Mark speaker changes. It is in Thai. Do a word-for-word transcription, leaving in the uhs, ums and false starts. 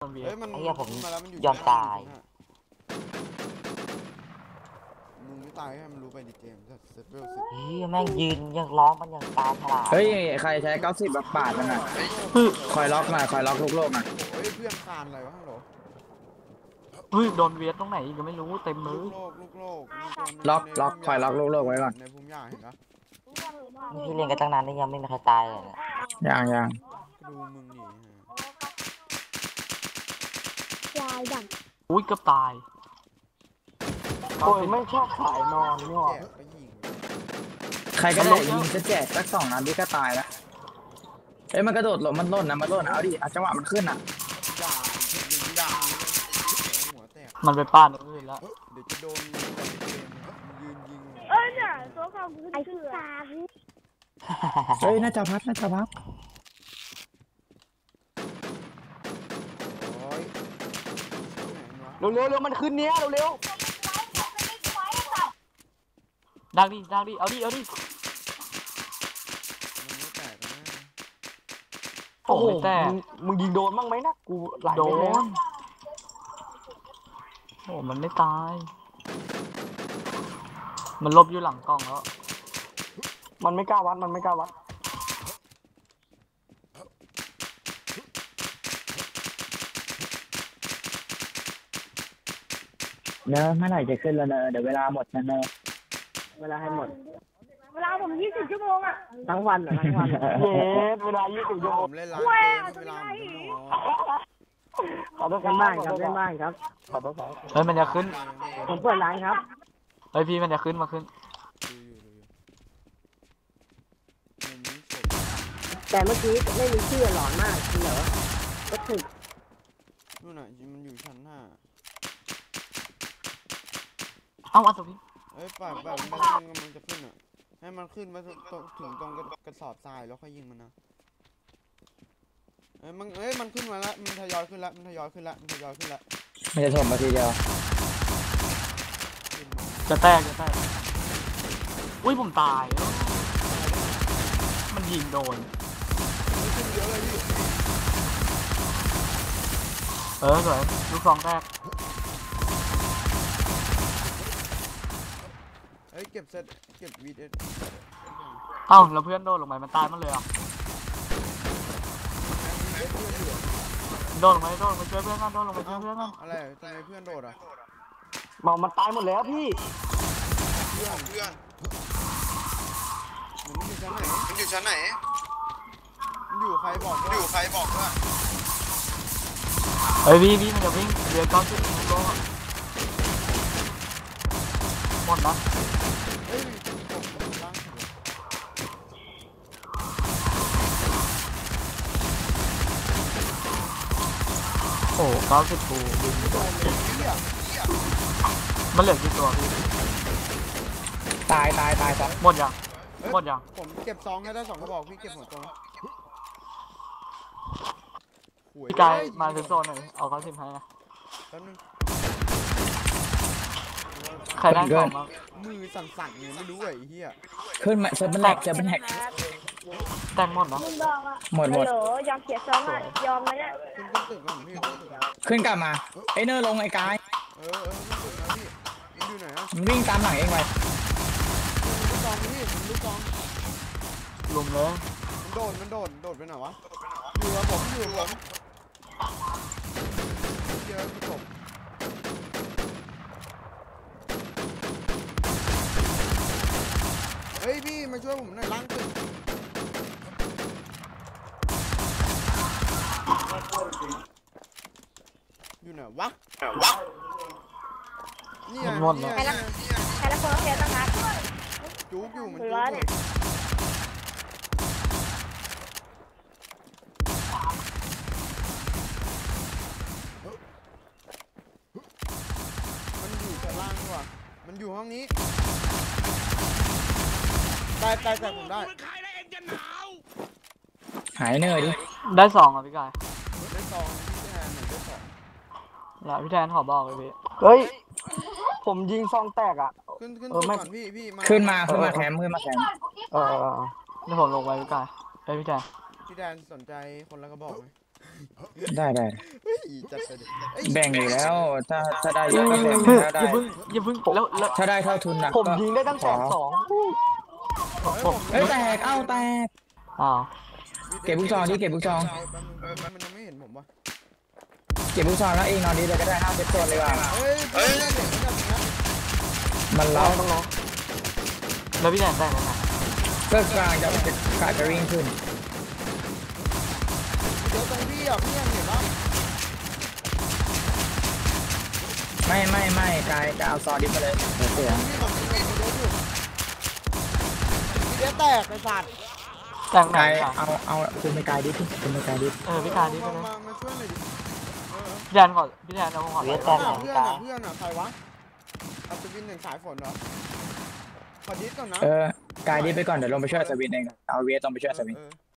Speaker 1: เฮ้ยมัน
Speaker 2: ไอ้เหี้ยผม
Speaker 1: มาแล้วมันอยู่
Speaker 2: ยอมตาย
Speaker 1: มึงไม่ตายให้มันรู้ไปดิเกมจะเซฟเวลสิ
Speaker 2: เฮ้ยแม่งยืนยังร้องมันยังตายฉลาด
Speaker 3: เฮ้ยใครใช้เก้าสิบแบบปาดมันอ่ะคอยล็อกมาคอยล็อกลูกโลกอ่ะ
Speaker 1: โอ้ยเพื่อนคานอะไรวะฮัลโหล
Speaker 4: เฮ้ยโดนเวียดตรงไหนอีกก็ไม่รู้เต็มมื
Speaker 1: ลู
Speaker 4: อก
Speaker 1: โลกลูกโลก
Speaker 3: ล็อกล็อกคอยล็อกลูกโลกไว้ก่อน
Speaker 1: ในภูมิยาเห็นปะ
Speaker 2: พี่เล่นกันตั้งนานนี่ยังไม่มีใครตายเลยเนี่ย
Speaker 3: ยังยัง
Speaker 1: ดูมึงนี่ฮะ
Speaker 5: ยายดัง
Speaker 4: อุ้ยเกือบตาย
Speaker 2: โอ้ยไม่ชอบสายนอนนี่หว่า
Speaker 1: แกะก็ยิง
Speaker 3: ใครก็ได้ยิงจะแจกสักสองนัดพี่ก็ตายแล้วเอ้ยมันกระโดดหลบมันล่นนะมันล่นเอาดิเอาจังหวะมันขึ้นอ่ะ
Speaker 1: ด่ายิงด่าหัวแตก
Speaker 4: มันไปป้านอื่นแล้ว
Speaker 1: เดี๋ยวจะโดนเกมยืนยิง
Speaker 5: เอ้ยเนี่ยตัวเขาไอ้คือสาม
Speaker 3: เฮ้ยน่าจะพัดน่าจะพัด
Speaker 1: โอ้ย
Speaker 2: เร็วเร็วเร็วมันขึ้นเนี้ยเร็วเร็ว
Speaker 4: ดังดิดังดิเอาดิเอาดิ
Speaker 1: มันไม่แตกนะ
Speaker 4: โอ้โหแต่
Speaker 2: มึงยิงโดนบ้างไหมนะกูไหล
Speaker 4: โด
Speaker 2: ไปแล้ว
Speaker 4: นโอ้มันไม่ตาย มันลบอยู่หลังกล้องแล้ว
Speaker 2: มันไม่กล้าวัดมันไม่กล้าวัด
Speaker 3: เนอะเมื่อไหร่จะขึ้นแล้วเนอะเดี๋ยวเวลาหมดนะเนอะเวลาให้หมด
Speaker 5: เวลาผมยี่สิบชั่วโมงอ่ะ
Speaker 3: ทั้งวันเหรอทั้งวัน
Speaker 2: เย็ดเวลายี่สิบชั่ว
Speaker 1: ผ
Speaker 2: โมง
Speaker 1: มเล่นร้านเกมเวลาผมจะนอน
Speaker 2: ขอโทษครับ
Speaker 3: เล่นบ้านครับเล่นบ้านครับ
Speaker 2: ขอโทษครับ
Speaker 4: เฮ้ยมันจะขึ้น
Speaker 3: ผมเปิดร้านครับ
Speaker 4: เฮ้ยพี่มันจะขึ้นมาขึ้น
Speaker 1: ดูอยู่ดูอยู่มุมนี้สด
Speaker 3: แต่เมื่อกี้ไม่มีชื่อหลอนมากเหรอก็ถึก
Speaker 1: นู่นน่ะมันอยู่ชั้นห้า
Speaker 4: เอ้าอัศวิน
Speaker 1: เอ้ยปล่อยปล่อยมันไปให้มันกำลังจะขึ้นอ่ะให้มันขึ้นมาถึงถึงตรงกระสอบทรายแล้วค่อยยิงมันนะเอ้ยมันเอ้ยมันขึ้นมาแล้วมันทยอยขึ้นแล้วมันทยอยขึ้นแล้วมันทยอยขึ้นแล้ว
Speaker 3: มันจะถมมาทีเดียว
Speaker 1: ขึ้นมา
Speaker 4: จะแตกจะแตกอุ้ยผมตายแล้วมันยิงโดน
Speaker 1: เฮ้ยขึ้นเยอะเลยพี่
Speaker 4: เออสวยลูกซองแตก
Speaker 1: เฮ้ยเก็บเซตเก็บวีดเอส
Speaker 4: เอ้าแล้วเพื่อนโดนลงไปมันตายมันเลยอ่ะโดนลงไปโดนลงไปช่วยเพื่อนกันโดนลงไปช่วยเพื่อนกัน
Speaker 1: อะไรทำไมเพื่อนโดดอ่ะ
Speaker 2: บอกมันตายหมดแล้วพี่
Speaker 1: เพื่อนเพื่อนมันอยู่ชั้นไหนมันอยู่ชั้นไหนมันอยู่ใครบอกอยู่ใครบอกว่า
Speaker 4: เฮ้ยพี่พี่มันจะวิ่งเรือก้อนขึ้นโลกอะหมดนะ
Speaker 1: เฮ้ยตกลงล่าง
Speaker 4: โอ้เก้าสิบปูวิ่งไม่โดนมันเหลือกี่ตัวพี่
Speaker 3: ตายตายตายครับ
Speaker 4: หมดยังหมดยัง
Speaker 1: ผมเก็บซองให้ได้สองกระบอกพี่เก็บหัวตรง
Speaker 4: พี่กายมาถึงโซนหน่อยเอาเก้าสิบให้นะ
Speaker 1: แป๊บนึง
Speaker 4: ใครได้ของบ้าง
Speaker 1: มือสั่นๆเนี่ยไม่รู้ไอ้เหี้ย
Speaker 3: ขึ้นมาเซฟมันแหลกเซฟมันแหลก
Speaker 4: แต่งหมดนะ
Speaker 5: มึงบอกอ่ะ
Speaker 3: หมดหมด
Speaker 5: ฮัลโหลยอมเสียซองอ่ะยอมนะเนี่ย
Speaker 1: ขึ้นขึ้นตึกก่อนพี่ขึ้นตึกก่อน
Speaker 3: ขึ้นกลับมาไอ้เนอร์ลงไอ้กาย
Speaker 1: เออเออขึ้นตึกนะพี่มันอยู่ไหนอ่ะ
Speaker 3: มันวิ่งตามหลังเองไป
Speaker 1: มันลูกซองพี่มันลูกซอง
Speaker 4: ลุมเลย
Speaker 1: มันโดดมันโดดโดดไปไหนวะอยู่กับผมอยู่กับผมเยอะพี่ผมเฮ้ยพี่มาช่วยผมหน่อยล้างตึกอยู่ไหนวะวะนี่ไง
Speaker 4: หมดแล้ว
Speaker 5: ใครละใครละคนเสียตั้งนัด
Speaker 1: จุกอยู่มัน
Speaker 5: หั
Speaker 1: จุ
Speaker 5: ว
Speaker 1: กอ
Speaker 5: เนี่
Speaker 1: ยู่
Speaker 5: ย
Speaker 1: มันอยู่ชั้นล่างดีกว่ามันอยู่ห้องนี้ตายตายแต่ผมได้
Speaker 3: หายเนอร์ดิ
Speaker 4: ได้สองอ่ะพี่กาย
Speaker 1: ได้ซองพี่แทนหนึ่งได้สอง
Speaker 4: แล้วพี่แทนขอบอกเลยพี่
Speaker 2: เฮ้ยผมยิงซองแตกอ่ะ
Speaker 1: ขึ้นขึ้น
Speaker 2: เออ
Speaker 1: ตึก
Speaker 2: ไม่
Speaker 1: ก่อนพี่พี่มา
Speaker 3: ขึ้นมาขึ้นมาแคมป์ขึ้นมาแคมป์
Speaker 2: เออ
Speaker 4: นี่ผมลงไปพี่กายเฮ้ยพี่แทน
Speaker 1: พี่แทนสนใจคนละกระบอกไหม
Speaker 3: ได้ได้
Speaker 1: เฮ้ยจัดไปดิเอ้ย
Speaker 3: แบ่งอยู่แล้ว ถ้าถ้าได้เยอะก็แบ่ง
Speaker 4: อย่า
Speaker 3: ถ้าได้
Speaker 4: เพิ่งอย่าเพิ่งแล้วแล้ว
Speaker 3: ถ้าได้เท่าทุนนะ
Speaker 2: ผม
Speaker 3: ก็
Speaker 2: ยิงได้ตั้งแสนสอง
Speaker 4: ผม
Speaker 3: เอ้ยแตกเอ้าแตก
Speaker 4: อ๋อ
Speaker 3: เก็บลูกซองดิเก็บลูกซอง
Speaker 1: แป๊บนึงมันยังไม่เห็นผมวะ
Speaker 3: เก็บลูกซองแล้วเองนอนดีเลยก็ได้ห้าเซตตัวเลยว่ะ
Speaker 1: เฮ้ยเฮ้ยเด็กมันจะนะ
Speaker 3: มันเล้า
Speaker 2: ต้องรอ
Speaker 4: แล้วพี่แดนได้ไหมนะ
Speaker 3: ก็กลางจะกาจะวิ่งขึ้น
Speaker 1: เดี๋ยวตรงพี่อ่ะพี่ยังเห็นปะ
Speaker 3: ไม่ไม่ไม่กายจะเอาซอดิฟมาเลยเดี๋ยวเสีย
Speaker 1: พี่ผมพี่ผมเดี๋ยวอยู่พี่เดี๋ยวแตกไอ้สัตว์
Speaker 4: แต่งไหน
Speaker 3: กาย
Speaker 4: อ่ะ
Speaker 3: เอาเอาคุณไปกายดิฟคุณไปกายดิฟ
Speaker 4: เออพี่การนี่ไป
Speaker 1: มา
Speaker 4: เลย
Speaker 1: มามาช่วยหน่อยดิเออ
Speaker 4: พี่แดนก่อนพี่แดนเอาก่อน
Speaker 2: เวียด
Speaker 1: เอ
Speaker 2: แต
Speaker 1: อก
Speaker 2: หลัง
Speaker 1: เพื่อน
Speaker 2: กา
Speaker 1: อ่ะเพื่อนอ่ะใครวะอัศวินหนึ่งสายฝนเหรอขอดิสก่อนนะ
Speaker 3: เออกายดิฟไปก่อนเดี๋ยวลงไปช่วยอัศวินเองเอาเวสลงไปช่วยอัศวิน
Speaker 1: เออ